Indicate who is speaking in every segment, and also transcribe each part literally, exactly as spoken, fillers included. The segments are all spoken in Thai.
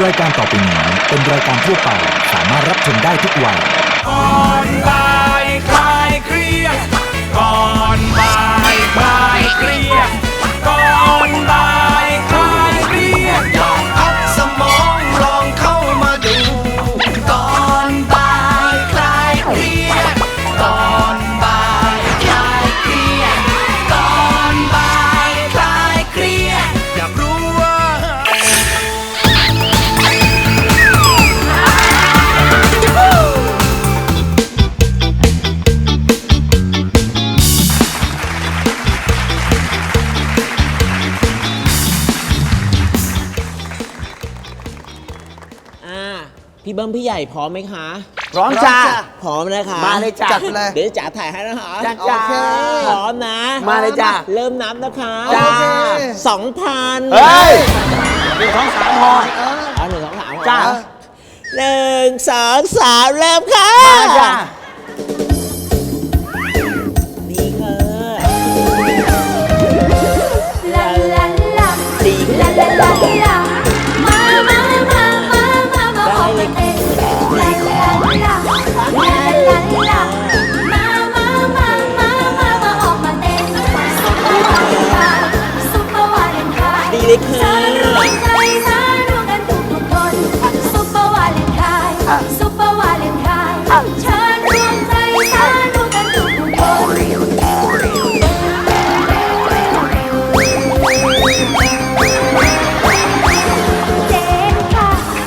Speaker 1: รายการต่อไปนี้เป็นรายการทั่วไปสามารถรับชมได้ทุกวัย
Speaker 2: ก่อนบ่ายคลายเครียดก่อนบ่ายคลายเครียดก่อนบ่ายคลายเครียดลองพักสมองลองเข้ามาดูก่อนบ่ายคลายเครียดก่อนบ่ายคลายเครียดก่อนบ่ายคลายเครียดอยากรู้ว่า
Speaker 3: พี่เบิ้มพี่ใหญ่พร้อมไหมคะ
Speaker 4: พร้อมจ้า
Speaker 3: พร้อมนะคะ
Speaker 4: มาเลยจ้ะจัดเลย
Speaker 3: เดี๋ยวจ๋าถ่ายให้นะคะ
Speaker 4: จ้าจ้า
Speaker 3: พร้อมนะ
Speaker 4: มาเลยจ้ะ
Speaker 3: เริ่มนับนะคะ
Speaker 4: จ้า
Speaker 3: สองพัน
Speaker 4: เฮ้ยหนึ่งสองสามพอ
Speaker 3: เอาหนึ่งสองสามพอ
Speaker 4: จ้า
Speaker 3: หนึ่งสองสามเริ่มค่ะ
Speaker 4: มาจ้า
Speaker 3: ดีค่ะ
Speaker 5: ลาลาลา
Speaker 3: ดี
Speaker 5: ลาลาลาลามามามามามามาออกมาเต้นลาลาลาลาลาลามามามามามามาออกมาเต้นซุปเปอร์วาเลนไทน์ซุปเปอร์วาเลนไทน์
Speaker 3: ดีเลยค่ะ
Speaker 5: สารู้ใจสารู้กันทุกทุกคนซุปเปอร์วาเลนไทน์ซุปเปอร์วาเลนไทน์เชิญรวมใจสารู้กันทุกทุกคน เจ๊ค่ะ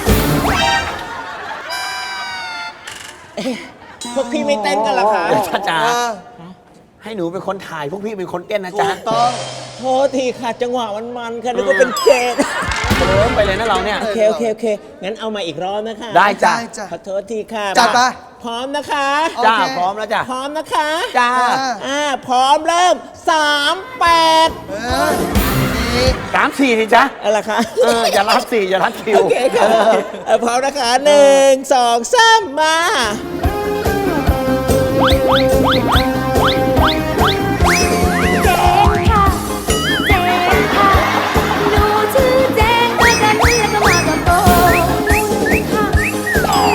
Speaker 3: พวกพี่ไม่เต้นกันเหรอคะ
Speaker 4: จ้าจ้าให้หนูเป็นคนถ่ายพวกพี่เป็นคนเต้นนะ
Speaker 3: ถู
Speaker 4: จ๊ะ
Speaker 3: กต้องโทษทีค่ะจังหวะมันมันๆค่ะนึกว่าเป็นเกต
Speaker 4: เริ่มไปเลยนะเราเนี่ย
Speaker 3: โอเคโอเคโอเคงั้นเอามาอีกรอบนะคะ
Speaker 4: ได้จ้ะ
Speaker 3: ขอโทษทีค่ะ
Speaker 4: จัดไป
Speaker 3: พร้อมนะคะ
Speaker 4: จ้าพร้อมแล้วจ้ะ
Speaker 3: พร้อมนะคะ
Speaker 4: จ้า
Speaker 3: อ่าพร้อมเริ่มสามแปด
Speaker 4: สามสี่ดิจ๊ะ
Speaker 3: อะไรคะ
Speaker 4: เอออย่ารับสี่อย่ารับคิว
Speaker 3: โอเคค่ะเออพร้อมนะคะหนึ่งสองสามมา
Speaker 5: เจ๊ค่ะ เจ๊ค่ะ หนูชื่อเจ๊มากันแล้วก็มากับโบค่ะหนู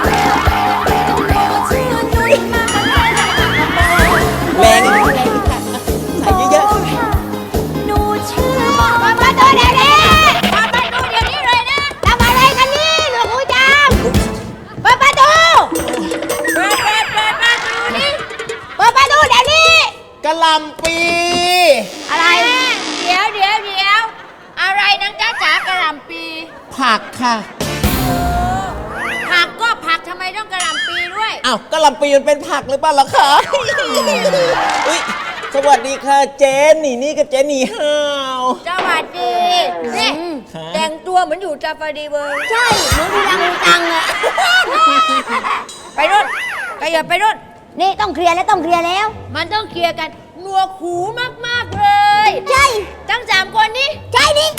Speaker 5: ชื่อนุ้ยมากันแล้วก็มากับโบ
Speaker 3: แรงอีกแรงอีกค่ะใส่เยอะๆ
Speaker 5: ค่ะหนูชื่อบอกว่าประตูเดี๋ยวนี้เปิดประตูเดี๋ยวนี้เลยนะทำอะไรกันนี่หลวงปู่จามเปิดประตูเปิดเปิดเปิดประตูนี่เปิดประตูเดี๋ยวนี้
Speaker 3: กะหล่ำปี
Speaker 5: อะไร เดี๋ยวเดี๋ยวเดี๋ยวอะไรนังจ้าจ๋ากระหล่ำปี
Speaker 3: ผักค่ะ
Speaker 5: ผักก็ผักทำไมต้องกระหล่ำปีด้วย
Speaker 3: อ้าวกะหล่ำปีมันเป็นผักหรือเปล่าล่ะคะอุ๊ยสวัสดีค่ะเจนนี่นี่กับเจนนี่ฮาว
Speaker 5: สวัสดีนี่
Speaker 3: ฮะ
Speaker 5: แต่งตัวเหมือนอยู่จาฟาดีเวิร์ใช่เหมือนดูรังดูตังอะ ไปรุ่นไปอย่าไปรุ่น
Speaker 6: นี่ต้องเคลียร์แล้วต้องเคลียร์แล้ว
Speaker 5: มันต้องเคลียร์กันหนวกหูมากๆเลย
Speaker 6: ใช่
Speaker 5: ทั้งสามคนนี้
Speaker 6: ใช่นี่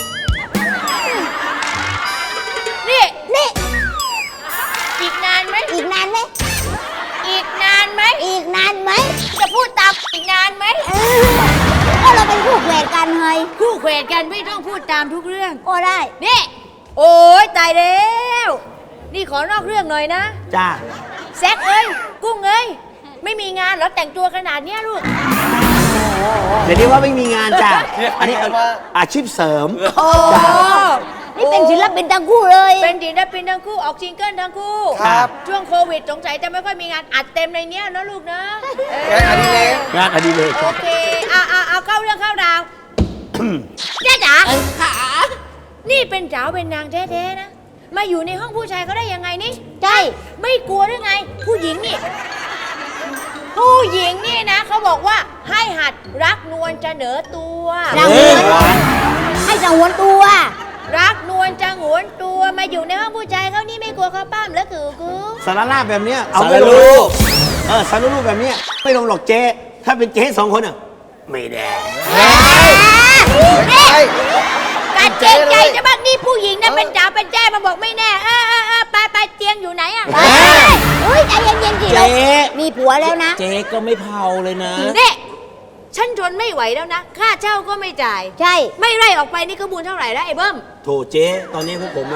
Speaker 5: นี่
Speaker 6: นี่
Speaker 5: อีกนานไหม
Speaker 6: อีกนานไหม
Speaker 5: อีกนานไหม
Speaker 6: อีกนานไหม
Speaker 5: จะพูดตามอีกนานไหม
Speaker 6: เออก็เราเป็นคู่แข่งกันเฮ้ย
Speaker 5: คู่เขวดกันไม่ต้องพูดตามทุกเรื่อง
Speaker 6: ก็ได้
Speaker 5: นี่ โอ้ยตายแล้ว นี่ขอนอกเรื่องหน่อยนะ
Speaker 4: จ้า
Speaker 5: แซกเอ้ย กุ้งเอ้ย ไม่มีงานเหรอแต่งตัวขนาดเนี้ยลูก
Speaker 4: เดี๋ยวนี้ว่าไม่มีงานจ้ะอันนี้อาชีพเสริม
Speaker 5: โอ้
Speaker 6: นี่เป็นศิลปินทั้งคู่เลย
Speaker 5: เป็นศิลปินทั้งคู่ออกซิงเกิลทั้งคู่
Speaker 4: ครับ
Speaker 5: ช่วงโควิดสงสัยจะไม่ค่อยมีงานอัดเต็มในเนี้ยนะลูกนะเออ
Speaker 4: งานอดิเรกงานอดิเรก
Speaker 5: โอเคเอาเอาเอาเข้าเรื่องเข้าราวเจ๊จ๋าขานี่เป็นสาวเป็นนางแท้ๆนะ มาอยู่ในห้องผู้ชายเขาได้ยังไงนี่
Speaker 6: ใช่
Speaker 5: ไม่กลัวหรือไง ผู้หญิงนี่ ผู้หญิงนี่นะเขาบอกว่าให้หัดรักนวลจะเหนือตัว
Speaker 6: จังหวนให้จังหวนตัว
Speaker 5: รักนวลจะหงวนตัวมาอยู่ในห้องผู้ชายเขานี่ไม่กลัวเขาปั้มแล้วคือกู
Speaker 4: สารลาบแบบเนี้ยเอา
Speaker 3: สาร
Speaker 4: ไม่ลง
Speaker 3: ลูก
Speaker 4: เออสารลูกแบบเนี้ยไม่ลงหรอกเจ๊ถ้าเป็นเจ๊สองคนอ่ะไม่ได้
Speaker 5: การเกรงใจจะบ้างนี่ผู้หญิงนะเป็นจ๋าเป็นแจ้มาบอกไม่แน่เออเออเออไปไปเตียงอยู่ไหนอะ
Speaker 6: ไปเฮ้ยใจเย็นๆสิ
Speaker 3: เจ๊
Speaker 6: เรามีผัวแล้วนะ
Speaker 3: เจ๊ก็ไม่เผาเลยนะ
Speaker 5: นี่ฉันทนไม่ไหวแล้วนะค่าเช่าก็ไม่จ่าย
Speaker 6: ใช่
Speaker 5: ไม่ไล่ออกไปนี่ก็มูลเท่าไหร่แล้วไอ้เบิ้ม
Speaker 4: โถเจ๊ตอนนี้พวกผมอ่ะ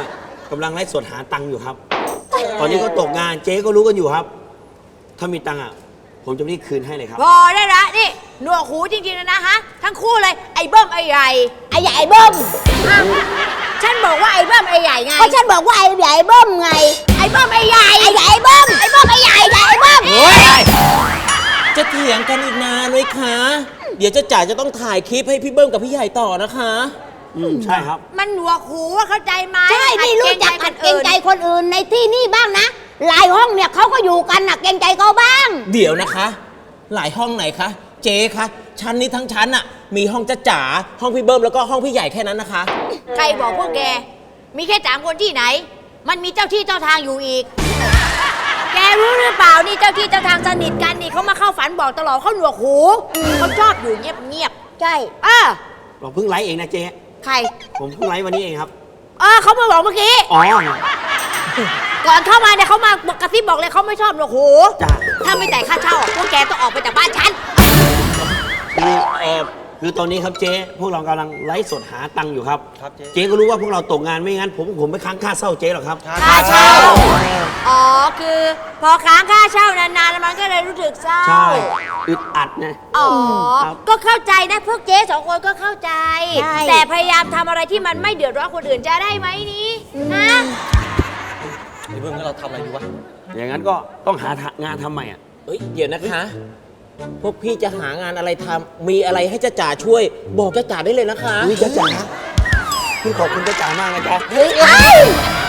Speaker 4: กำลังไล่สดหาตังค์อยู่ครับ ตอนนี้ก็ตกงานเจ๊ก็รู้กันอยู่ครับ ถ้ามีตังค์อ่ะ ผมจะรีบคืนให้เลยครับ
Speaker 7: พอได้ละนี่หนวกหูจริงๆนะนะฮะ ทั้งคู่เลยไอ้เบิ้มไอ้ใหญ่
Speaker 6: ไอ้ใหญ่ไอ้เบิ้ม
Speaker 7: ฉันบอกว่าไอ้เบิ้มไอ้ใหญ่ไง
Speaker 6: ก็ฉันบอกว่าไอ้ใหญ่เบิ้มไง
Speaker 7: ไอ้เบิ้มไอ้ใหญ่
Speaker 6: ไอ้ใหญ่ไอ้เบิ้มไอ้เบิ้มไอ้ใหญ่ไอ้ใหญ่ไอ้เบิ้ม
Speaker 3: จะเถียงกันอีกนานไหมคะ เดี๋ยวเจ้าจ๋าจะต้องถ่ายคลิปให้พี่เบิ้มกับพี่ใหญ่ต่อนะคะ
Speaker 4: อืมใช่ครับ
Speaker 7: มันหนวกหูว่าเข้าใจไหม
Speaker 6: ใช่นี่รู้จักหัดเกรงใจคนอื่นในที่นี่บ้างนะหลายห้องเนี่ยเขาก็อยู่กันน่ะเกรงใจเขาบ้าง
Speaker 3: เดี๋ยวนะคะ หลายห้องไหนคะ เจ๊คะชั้นนี้ทั้งชั้นอะมีห้องจ้าจ๋าห้องพี่เบิ้มแล้วก็ห้องพี่ใหญ่แค่นั้นนะคะ
Speaker 7: ใครบอกพวกแก มีแค่สามคนที่ไหน มันมีเจ้าที่เจ้าทางอยู่อีก แกรู้หรือเปล่านี่เจ้าที่เจ้าทางสนิทกันนี่เขามาเข้าฝันบอกตลอดเขาหนวกหูเขาชอบอยู่เงียบ
Speaker 6: ใช่
Speaker 7: ๆเออ
Speaker 4: เราเพิ่งไลฟ์เองนะเจ๊
Speaker 7: ใคร
Speaker 4: ผมเพิ่งไลฟ์วันนี้เองครับ
Speaker 7: เออเขามาบอกเมื่อกี้
Speaker 4: อ๋อ
Speaker 7: ก่อนเข้ามาเนี่ยเขามากระซิบบอกเลยเขาไม่ชอบหนวกหู
Speaker 4: จ้ะ
Speaker 7: ถ้าไม่จ่ายค่าเช่าพวกแกต้องออกไปจากบ้านฉัน
Speaker 4: คือเออคือตอนนี้ครับเจ๊พวกเรากำลังไลฟ์สดหาตังค์อยู่ครับครับเจ๊ก็รู้ว่าพวกเราตกงานไม่งั้น ผมผมไม่ค้างค่าเช่าเจ๊หรอกครับ
Speaker 7: ค่าเช่า อ๋อ คือพอค้างค่าเช่านานๆแล้วมันก็เลยรู้สึกเศร้า
Speaker 4: ใช่อึดอัดนะ
Speaker 7: อ๋อ
Speaker 4: ครับ
Speaker 7: ก็เข้าใจนะพวกเจ๊สองคนก็เข้าใจ
Speaker 6: ใช่
Speaker 7: แต่พยายามทำอะไรที่มันไม่เดือดร้อนคนอื่นจะได้ไหมนี้นะ
Speaker 2: ไอ้เบิ้มงั้นเราทำอะไรอยู่วะ
Speaker 4: อย่างนั้นก็ต้องหางานทำใหม่อ่ะ
Speaker 3: เอ้ยเดี๋ยวนะคะ พวกพี่จะหางานอะไรทำมีอะไรให้จ้าจ๋าช่วย บอกจ้าจ๋าได้เลยนะคะ
Speaker 4: อุ้ยจ้าจ๋าพี่ขอบคุณจ้าจ๋ามากนะจ๊ะ
Speaker 6: เฮ้ย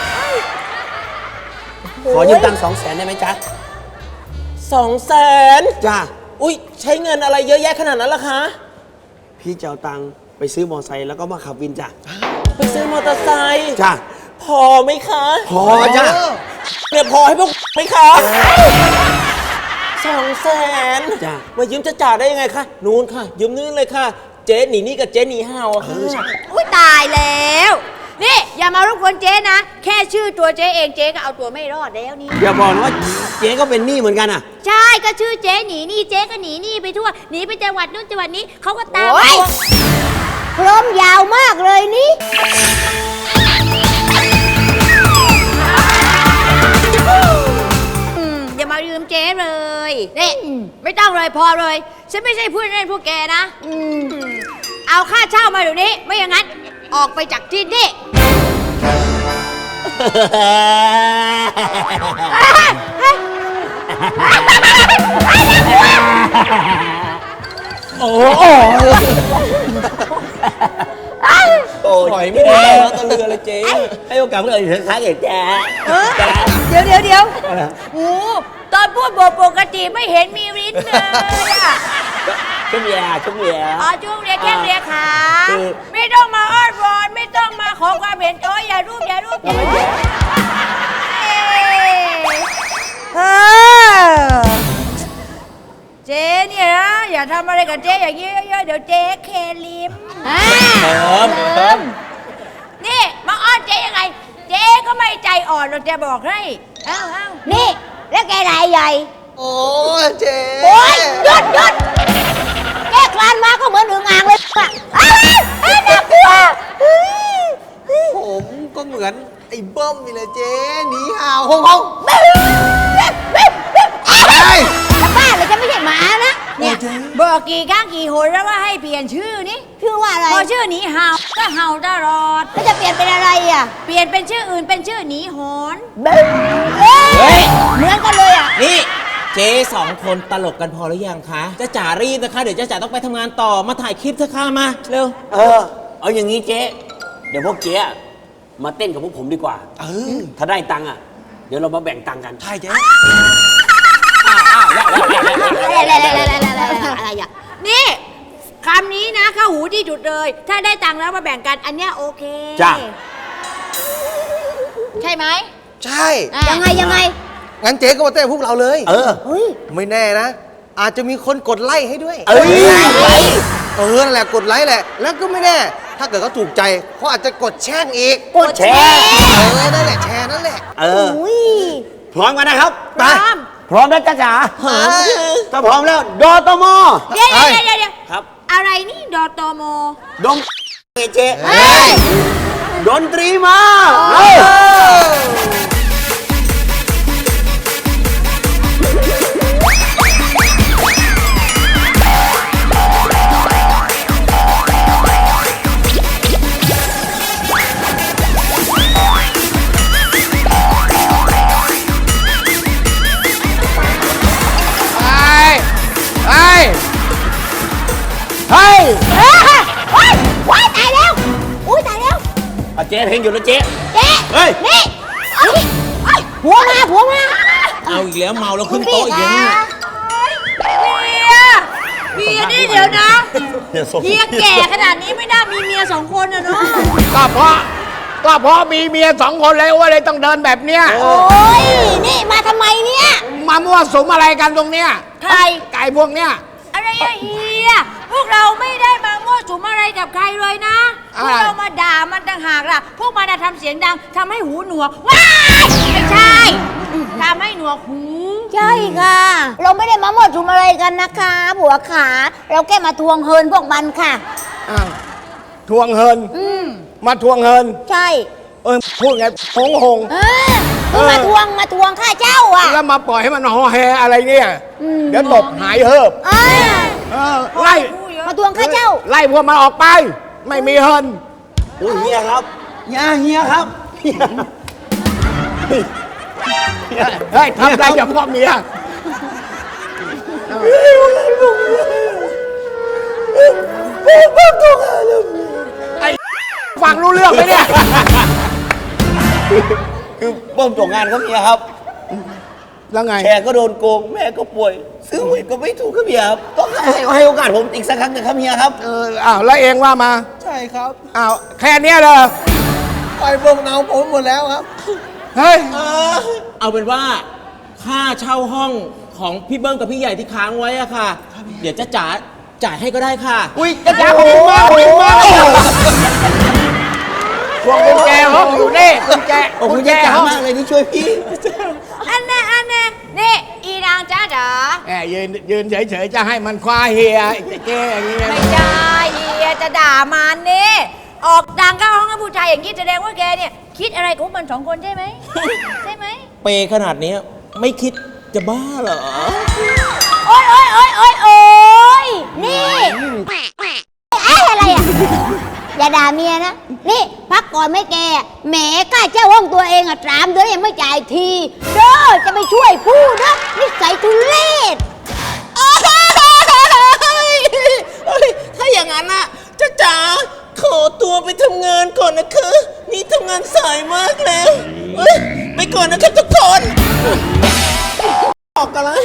Speaker 4: ขอยืมตังค์สองแสนได้ไหมจ๊ะ
Speaker 3: สองแสน
Speaker 4: จ้า
Speaker 3: อุ้ยใช้เงินอะไรเยอะแยะขนาดนั้นล่ะคะ
Speaker 4: พี่จะเอาตังค์ไปซื้อมอไซค์แล้วก็มาขับวินจ้ะ
Speaker 3: ไปซื้อมอเตอร์ไซค์
Speaker 4: จ้า
Speaker 3: พอไหมคะ
Speaker 4: พอจ้ะ
Speaker 3: เนี่ยพอให้พวกไหมคะสองแสน
Speaker 4: จ้ะ
Speaker 3: มายืมจ้าจ๋าได้ยังไงคะนู้นค่ะ ยืมนู้นเลยค่ะ เจ๊หนีนี่กับเจ๊หนีห่าวอะค่ะ
Speaker 7: อุ้ยตายแล้ว นี่อย่ามารบกวนเจ๊นะ แค่ชื่อตัวเจ๊เองเจ๊ก็เอาตัวไม่รอดแล้วนี่
Speaker 4: อย่าบอกนะว่าเจ๊ก็เป็นหนี้เหมือนกันอ่ะ
Speaker 7: ใช่ก็ชื่อเจ๊หนีหนี่เจ๊ก็หนีหนี่ไปทั่วหนีไปจังหวัดนู้นจังหวัดนี้เขาก็ตาม
Speaker 6: โอ๊ย
Speaker 7: ตัว
Speaker 6: พร้อมยาวมากเลยนี่
Speaker 7: อืมอย่ามายืมเจ๊เลยนี่ไม่ต้องเลยพอเลย ฉันไม่ใช่พูดเล่นพวกแกนะ
Speaker 6: อืม
Speaker 7: อืมเอาค่าเช่ามาเดี๋ยวนี้ ไม่อย่างนั้น ออกไปจากที่นี่
Speaker 3: โอ้โหถอยไม่ได้แล้วตะเรือเลยเจ๊
Speaker 4: ให้โอกาสเลยถึงครั้งเอกแจ๊
Speaker 7: เออเดี๋ยวเดี๋ยวเดี๋ยวโอ้ตอนพูดบอกปกติไม่เห็นมีริ้นเลยอะ
Speaker 4: ชุ่มแย่ชุ่มแย่
Speaker 7: อ๋อจุ้งเรียกแค่เรียกขา
Speaker 4: คือ
Speaker 7: ไม่ต้องมาอ้อนวอนไม่ต้องมาขอความเห็นโอ้ยอย่ารูปอย่ารูปอย่ารูปเออเจ๊เนี่ยนะอย่าทำอะไรกับเจ๊อย่างนี้เยอะๆเดี๋ยวเจ๊เคลิม
Speaker 6: อ่า
Speaker 3: เติมเติม
Speaker 7: นี่มาอ้อนเจ๊ยังไง เจ๊ก็ไม่ใจอ่อนหรอกจะบอกให้เอ้าเอ้า
Speaker 6: นี่ แล้วแกรายใหญ่
Speaker 2: โอ้เจ๊
Speaker 6: โอ๊ยหยุดหยุดแกคลานมาก็เหมือนอึ่งอ่างเลยอะอ้าวอ้าวน่ากลัวเฮ้ย
Speaker 2: ผมก็เหมือนไอ้เบิ้มนี่แหละเจ๊หนีห่าวฮงฮง
Speaker 6: จะบ้าเลยจะไม่ใช่หมานะ
Speaker 7: เนี่ยบอกกี่ครั้งกี่หนแล้วว่าให้เปลี่ยนชื่อนี่
Speaker 6: ชื่อว่าอะไร
Speaker 7: พอชื่อหนีเห่าก็เห่าตลอด
Speaker 6: แล้วจะเปลี่ยนเป็นอะไรอ่ะ
Speaker 7: เปลี่ยนเป็นชื่ออื่นเป็นชื่อหนีหอน
Speaker 6: เฮ้ยเหมือนกันเลยอ่ะ
Speaker 3: นี่เจ๊สองคนตลกกันพอหรือยังคะจ้าจ๋ารีบนะคะ เดี๋ยวจ้าจ๋าต้องไปทำงานต่อมาถ่ายคลิปเถอะค่ะมาเร็ว
Speaker 4: เออ เอาอย่างนี้เจ๊ เดี๋ยวพวกเจ๊อะมาเต้นกับพวกผมดีกว่า
Speaker 2: เออ
Speaker 4: ถ้าได้ตังค์อ่ะ เดี๋ยวเรามาแบ่งตังค์กัน
Speaker 2: ใช่เจ๊
Speaker 6: อะไรอ่ะ
Speaker 7: นี่คำนี้นะเข้าหูที่จุดเลย ถ้าได้ตังค์แล้วมาแบ่งกันอันเนี้ยโอเค
Speaker 4: จ้ะ
Speaker 7: ใช่ไหม
Speaker 2: ใช่
Speaker 7: อ่ะ
Speaker 6: ยังไงยังไง
Speaker 2: งั้นเจ๊ก็มาเต้นกับพวกเราเลย
Speaker 4: เออ
Speaker 6: เฮ้ย
Speaker 2: ไม่แน่นะ อาจจะมีคนกดไลค์ให้ด้วย
Speaker 4: เอ้ย
Speaker 2: เออนั่นแหละกดไลค์แหละ แล้วก็ไม่แน่ ถ้าเกิดเขาถูกใจเขาอาจจะกดแช่งอีก
Speaker 6: กดแชร์
Speaker 2: เออ นั่นแหละแชร์นั่นแหละ
Speaker 4: เออ
Speaker 6: อุ้ย
Speaker 4: พร้อมกันนะครับ
Speaker 7: พร้อม
Speaker 4: พร้อมแล้วจ้าจ๋า
Speaker 2: เออ
Speaker 4: ถ้าพร้อมแล้วดอตม
Speaker 7: เดี๋ยวเดี๋ยวเดี๋ยวเดี๋ยว
Speaker 4: ครับ
Speaker 7: อะไรนี่ดอตโม
Speaker 4: ดมเจ
Speaker 2: เฮ้ย
Speaker 4: ดนตรีมาเฮ้ยอ่ะเจ๊เพลงหยุดแล้วเจ๊
Speaker 6: เจ๊
Speaker 4: เฮ้ย
Speaker 6: นี่เอ้ยเอ้ยผัวมาผัวมา
Speaker 3: เอาอีกแล้วเมาแล้ว
Speaker 6: คุ
Speaker 3: ขึ้
Speaker 6: ณ
Speaker 3: น
Speaker 6: พี่
Speaker 3: โต๊ะอีกแล้ว
Speaker 6: คะ
Speaker 3: เนี่ย
Speaker 7: เมียเมียนี่เดี๋ยวนะ
Speaker 4: เดี๋ยวส่ง
Speaker 7: เฮียแก่ขนาดนี้ไม่น่ามีเมียสองคนอะเนาะ
Speaker 8: ก็เพราะก็เพราะมีเมียสองคนเลยว่าเลยต้องเดินแบบเนี้ย
Speaker 6: โอ้ยนี่มาทำไมเนี่ย
Speaker 8: มามั่วสุมอะไรกันตรงเนี้ย
Speaker 7: ใคร
Speaker 8: ไก่พวกเนี้ย
Speaker 7: อะไรอะเฮียพวกเราไม่ได้มามั่วสุมอะไรกับใครเลยนะ พวกเรามาด่ามันต่างหากล่ะ พวกมันน่ะทำเสียงดังทำให้หูหนวก ว้ายไม่ใช่ทำให้หนวกหู
Speaker 6: ใช่ค่ะ เราไม่ได้มาหมดทุมอะไรกันนะคะผัวขา เราแค่มาทวงเฮินพวกมันค่ะ
Speaker 8: อ้าวทวงเฮิน
Speaker 6: อืม
Speaker 8: มาทวงเฮิน
Speaker 6: ใช่
Speaker 8: เออพูดไงหงหง
Speaker 6: เออคือมาทวงมาทวงค่าเช่าอ่ะ
Speaker 8: แล้วมาปล่อยให้มันห่อแฮอะไรเนี่ย
Speaker 6: อืม
Speaker 8: เดี๋ยวตบหายเหิบ
Speaker 6: อ่า
Speaker 8: เออไล่
Speaker 6: มาทวงค่าเช่า
Speaker 8: ไล่พวกมันออกไป ไม่มีเฮิน
Speaker 4: โอ้ยเฮียครับเฮียเฮียครับเฮีย
Speaker 8: เฮ้ยทำอะไรกับพ่อเมียไอ้ฟังรู้เรื่องไหมเนี่ย
Speaker 4: คือเบิ่มตกงานครับเฮียครับ
Speaker 8: แล้วไง
Speaker 4: แขกก็โดนโกงแม่ก็ป่วย ซื้อหวยก็ไม่ถูกครับเฮียครับต้องให้ให้โอกาสผมอีกสักครั้งหนึงครับเฮียครับ
Speaker 8: เอออ้าวแล้วเองว่ามา
Speaker 9: ใช่ครับ
Speaker 8: อ้าวแค่เนี้ยเลย
Speaker 9: ไปเบิ่งเอาผมหมดแล้วครับ
Speaker 8: เฮ้ย
Speaker 3: เอาเป็นว่าค่าเช่าห้องของพี่เบิ้มกับพี่ใหญ่ที่ค้างไว้อะค่ะ เดี๋ยวจะจ่ายจ่ายให้ก็ได้ค่ะ
Speaker 8: อุ้ยจะจ้าขอบคุณมากขอบคุณมากพวงกุญแจห้องอยู่นี่กุญแจ
Speaker 4: โอ้โห
Speaker 8: กุญ
Speaker 4: เจ๊
Speaker 8: แจ
Speaker 4: จ๋า
Speaker 8: ห้อง
Speaker 4: มากเลยที่ช่วยพี่
Speaker 7: อันแน่อันแน่นี่อีนางจ้าจ๋า
Speaker 8: แหมยืนยืนเฉยๆจะให้มันคว้าเฮียจะแก้อย่างนี้
Speaker 7: ไม่ใช่เฮียจะด่ามันนี่ออกดังเข้าห้องให้ผู้ชายอย่างนี้แสดงว่าแกเนี่ยคิดอะไรกับพวกมันสองคนใช่ไหม ใช่ไหม
Speaker 3: เปย์ขนาดนี้ไม่คิดจะบ้าเหรอ
Speaker 6: โอ๊ยโอ๊ยโอ๊ยโอ๊ยโอ๊ยนี่ไอ้อะไรอ่ะ อย่าด่าเมียนะ นี่พักก่อนไม่แกแหมกล้าเจ้าห้องตัวเองอ่ะสามเดือนยังไม่จ่ายทีเด้อจะไปช่วยพูดนะนิสัยทุเรศ
Speaker 3: ถ้าอย่างนั้นอะจ้าจ๋าขอตัวไปทำงานก่อนนะคะนี่ทำงานสายมากแล้วเอ้ยไปก่อนนะครับทุกคนออกกันเลย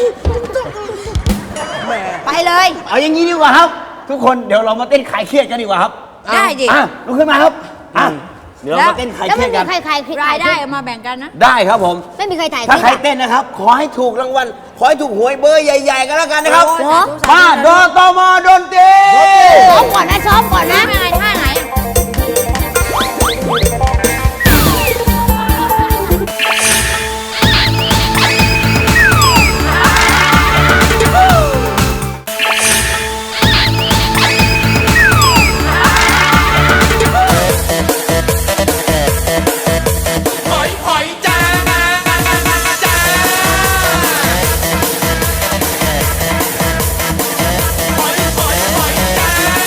Speaker 7: ไปเลย
Speaker 4: เอาอย่างนี้ดีกว่าครับ ทุกคนเดี๋ยวเรามาเต้นขายเครียดกันดีกว่าครับ
Speaker 7: ได้ดิ
Speaker 4: อ่ะลุกขึ้นมาครับอ่ะเดี๋ยวเรามาเต้นขาย
Speaker 6: แล้ว
Speaker 4: เครี
Speaker 6: ไม่
Speaker 4: ยด
Speaker 6: มี
Speaker 4: กัน
Speaker 6: ใครใคร
Speaker 7: รายได้เอามาแบ่งกันนะ
Speaker 4: ได้ครับผม
Speaker 6: ไม่มีใครถ่ายค
Speaker 4: ถ้า
Speaker 6: ลิป
Speaker 4: ใคร
Speaker 6: อะ
Speaker 4: เต้นนะครับ ขอให้ถูกรางวัล ขอให้ถูกหวยเบอร์ใหญ่ๆกันแล้วกันนะครับ
Speaker 7: โอ้ยสาธุสาธุ
Speaker 4: มาโดนตมโดนตี
Speaker 6: ซ้อมก่อนนะซ้อมก่อนนะ
Speaker 7: ไม่ไงท่าไหน
Speaker 2: หอยหอยจ้าจ้าหอยหอยหอยจ้า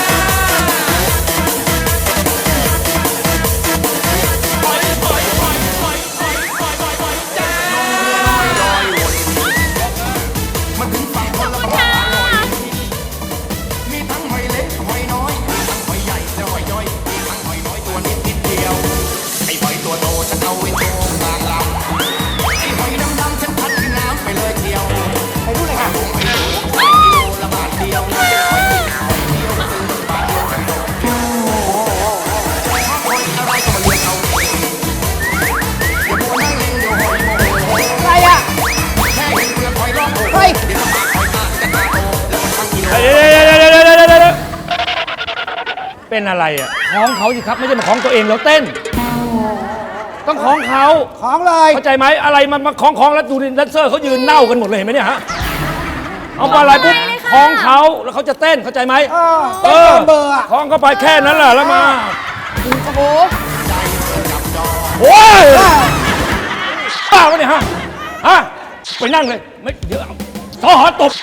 Speaker 2: หอยหอยหอยหอยหอยหอยหอยหอยจ้าลอยวนมันถึงฝั่งคนละฝั่งอร่อยมีทั้งหอยเล็กหอยน้อยมีทั้งหอยใหญ่และหอยย่อยมีทั้งหอยน้อยตัวนิดนิดเดียว ไอ้หอยตัวโตฉันเอาไว้โชว์กลางลำไอ้หอยดำๆฉันพัดขึ้นน้ำไปเลยเที่ยวไปดูเลยค่ะหอยโตหอยกิโลละบาทเดียวหอยหอยเดียวซื้อบาทเดียวกันโดดโอ้ชอบหอยอะไรก็มาเลือกเอาเองอย่ามัวนั่งเล่นเดี๋ยวหอยโมโห
Speaker 8: อะไรอ่ะ
Speaker 2: แค่เห็นเปลือกหอยรอบโบ
Speaker 8: เฮ้ย
Speaker 2: เดี๋ยวปากหอยตาจะตาโตแล้วมันทั้งกิโล
Speaker 10: เดี๋ยวเดี๋ยวเดี๋ยวเดี๋ยวเดี๋ยวเดี๋ยวเป็นอะไรอ่ะของเขาสิครับไม่ใช่มาของตัวเองแล้วเต้น ต้องของเขา
Speaker 8: ของเลย
Speaker 10: เข้าใจไหมอะไรมันมาของของแล้วดูดิแดนเซอร์เขายืนเน่ากันหมดเลยเห็นไหมเนี่ยฮะเอาไปอะไรปุ๊บของเขาแล้วเขาจะเต้นเข้าใจไหม
Speaker 8: เออเต้นตามเบอร์อะ
Speaker 10: ของเข้าไปแค่นั้นแหละแล้วมา
Speaker 8: โอ้โห
Speaker 10: โอ้ยบ้าวะเนี่ยฮะฮะไปนั่งเลยไม่เดี๋ยวทหารตบ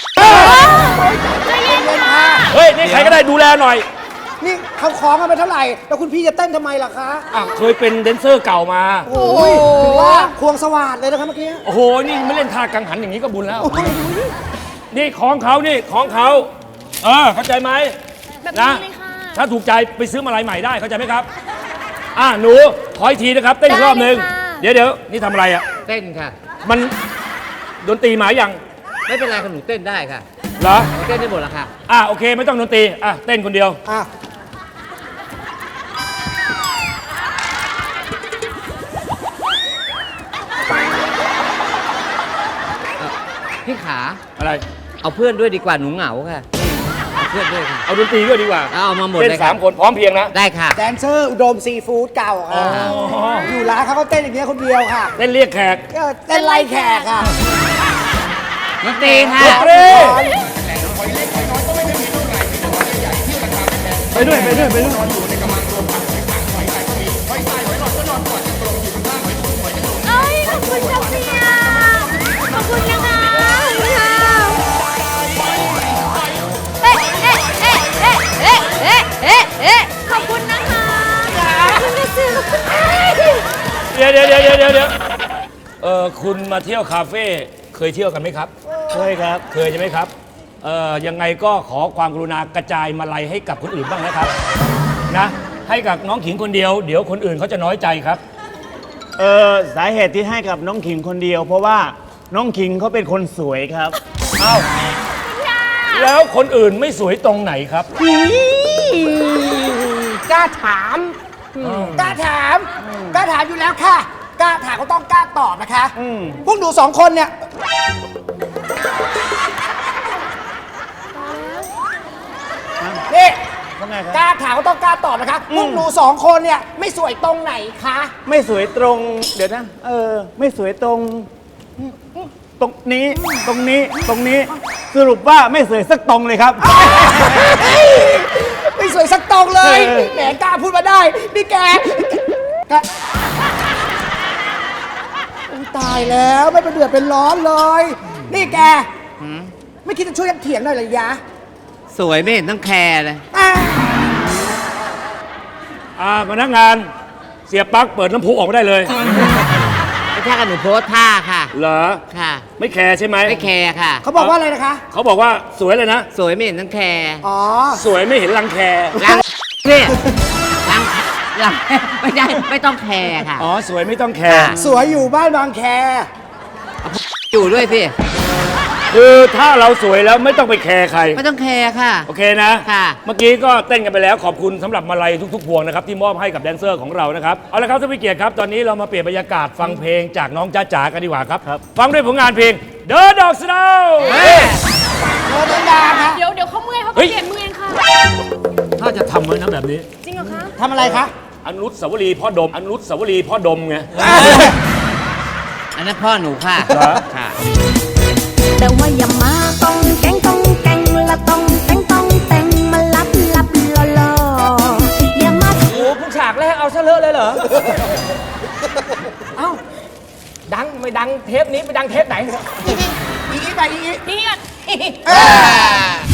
Speaker 10: เฮ้ยนี่ใครก็ได้ดูแลหน่อย
Speaker 9: นี่เขาของกันไปเท่าไหร่ แล้วคุณพี่จะเต้นทำไมล่ะคะ
Speaker 10: อ่ะเคยเป็นแดนเซอร์เก่ามา
Speaker 9: โอ้ยถือว่าควงสวัสดเลยนะครับเมื่อกี้
Speaker 10: โอ้โห นี่ไม่เล่นท่ากังหันอย่างนี้ก็บุญแล้ว นี่ของเขานี่ของเขา เออ เข้าใจไหม
Speaker 7: แบบนี้
Speaker 10: นะ
Speaker 7: เลยค่ะ
Speaker 10: ถ้าถูกใจไปซื้อมาลายใหม่ได้ เข้าใจไหมครับอ่ะหนูขออีกทีนะครับเต้นอีกรอบหนึ่ง
Speaker 6: ได้เลยค่ะ
Speaker 10: เดี๋ยวเดี๋ยวนี่ทำอะไรอ่ะ
Speaker 8: เต้นค่ะ
Speaker 10: มันดนตรีหมายัง
Speaker 8: ไม่เป็นไรค่ะหนูเต้นได้ค่ะ
Speaker 10: เหรอ
Speaker 8: หนูเต้นได้หมดแล้วค่ะ
Speaker 10: อ่ะโอเคไม่ต้องดนตรีอ่ะเต้นคนเดียว
Speaker 9: อ่ะ
Speaker 8: พี่ขา
Speaker 10: อะไร
Speaker 8: เอาเพื่อนด้วยดีกว่าหนูเหงาค่ะเอาเพื่อนด้วยค่ะ
Speaker 10: เอาดนตรีด้วยดีกว่า
Speaker 8: เอามาหมด
Speaker 10: เต้น
Speaker 8: เลย
Speaker 10: สาม
Speaker 8: ค่ะ
Speaker 10: คนพร้อมเพรียงนะ
Speaker 8: ได้ค่ะ
Speaker 9: แดนเซอร์อุดมซีฟู้ดเก่าค่ะ อยู่ร้านเขาก็เต้นอย่างเงี้ยคนเดียวค่ะ
Speaker 10: เต้นเรียกแขก
Speaker 9: เออเต้นไล่แขกค่ะ
Speaker 8: ดนตรีค่ะ
Speaker 10: ดนตรีไปด้วยไปด้วยไปด้วย
Speaker 6: เอ้ยขอบคุณจ้าเมียขอบคุณนะคะเอ๊ะเอ๊ะเอ๊ะเอ๊ะเอ๊ะเอ๊ะเอ๊ะขอบคุณนะคะขอบคุณนะซื้อขอบคุณค่ะ
Speaker 10: เดี๋ยวเดี๋ยวเดี๋ยวเดี๋ยวเดี๋ยวเออคุณมาเที่ยวคาเฟ่เคยเที่ยวกันไหมครับ
Speaker 4: เคยครับ
Speaker 10: เคยใช่ไหมครับเออยังไงก็ขอความกรุณากระจายมาลัยให้กับคนอื่นบ้างนะครับนะให้กับน้องขิงคนเดียวเดี๋ยวคนอื่นเขาจะน้อยใจครับ
Speaker 11: เออสาเหตุที่ให้กับน้องขิงคนเดียว เพราะว่าน้องขิงเขาเป็นคนสวยครับ
Speaker 10: เอ้าแล้วคนอื่นไม่สวยตรงไหนครับ
Speaker 9: กล้าถาม กล้าถาม กล้าถามอยู่แล้วค่ะ กล้าถามก็ต้องกล้าตอบนะคะ
Speaker 11: อืม
Speaker 9: พวกหนูสองคนเนี่ย นี่
Speaker 11: ว่าไงครับ
Speaker 9: กล้าถามก็ต้องกล้าตอบนะคะ พวกหนูสองคนเนี่ยไม่สวยตรงไหนคะ
Speaker 11: ไม่สวยตรง เดี๋ยวนะ เออ ไม่สวยตรง ตรงนี้ตรงนี้ตรงนี้ สรุปว่าไม่สวยสักตรงเลยครับ
Speaker 9: ไม่สวยสักตรงเลย
Speaker 11: เออ
Speaker 9: แหมกล้าพูดมาได้ นี่แกแกอุ๊ยตายแล้วไม่เป็นเดือดเป็นร้อนเลย นี่แก ไม่คิดจะช่วยกันเถียงหน่อยเลยยะ
Speaker 8: สวยไม่เห็นต้องแคร์เลย
Speaker 9: อ่ะ
Speaker 10: อ่าพนักงานเสียปลั๊กเปิดน้ำพุออกมาได้เลย
Speaker 8: ไม่ใช่กันหนูโพสท่าค่ะ
Speaker 10: เหรอ
Speaker 8: ค่ะ
Speaker 10: ไม่แคร์ใช่ไหม
Speaker 8: ไม่แคร์ค่ะ
Speaker 9: เขาบอกว่าอะไรนะคะ
Speaker 10: เขาบอกว่าสวยเลยนะ
Speaker 8: สวยไม่เห็นต้องแคร์
Speaker 9: อ๋อ
Speaker 10: สวยไม่เห็นรังแค
Speaker 8: รังพี่รังรังไม่ได้ไม่ต้องแคร์ค่ะ
Speaker 10: อ๋อสวยไม่ต้องแคร์
Speaker 8: ค่ะ
Speaker 9: สวยอยู่บ้านบางแค
Speaker 8: อยู่ด้วยพี่
Speaker 10: คือถ้าเราสวยแล้วไม่ต้องไปแคร์ใคร
Speaker 8: ไม่ต้องแคร์ค่ะ
Speaker 10: โอเคนะ
Speaker 8: ค่ะ
Speaker 10: เมื่อกี้ก็เต้นกันไปแล้วขอบคุณสำหรับมาลัยทุกๆพวงนะครับที่มอบให้กับแดนเซอร์ของเรานะครับเอาละครับท่านผู้เกียรติครับตอนนี้เรามาเปลี่ยนบรรยากาศฟังเพลงจากน้องจ้าจ๋ากันดีกว่าครับฟังด้วยผลงานเพลงเดอะดอกสโนว์
Speaker 9: โดนดาค่ะ
Speaker 7: เดี๋ยวเดี๋ยวเขาเมื่อยเขา
Speaker 10: เฮ้
Speaker 7: ก็
Speaker 10: ย
Speaker 7: เจ็บมือเองค่ะ
Speaker 10: ถ้าจะทำไว้นะแบบนี้
Speaker 7: จริงเหรอคะ
Speaker 9: ทำอะไรคะ
Speaker 10: อนุสาวรีย์พ่อดมอนุสาวรีย์พ่อดมไง
Speaker 8: อันนั้นพ่อหนูค่ะ
Speaker 10: เหรอ
Speaker 8: ค่ะ
Speaker 5: แต่ว่าอย่ามาต้องแกงต้องแกงละต้องแต่งต้องแต่งมาลับลับลอลออย่ามา
Speaker 3: โอ้โหเพิ่งฉากแรกเอาซะเลอะเลยเหรอ เอ้า ดังไม่ดังเทปนี้ไปดังเทปไหน
Speaker 9: อีกอีกไปอีกอีก
Speaker 7: นี่อ่ะ
Speaker 9: เอ้ย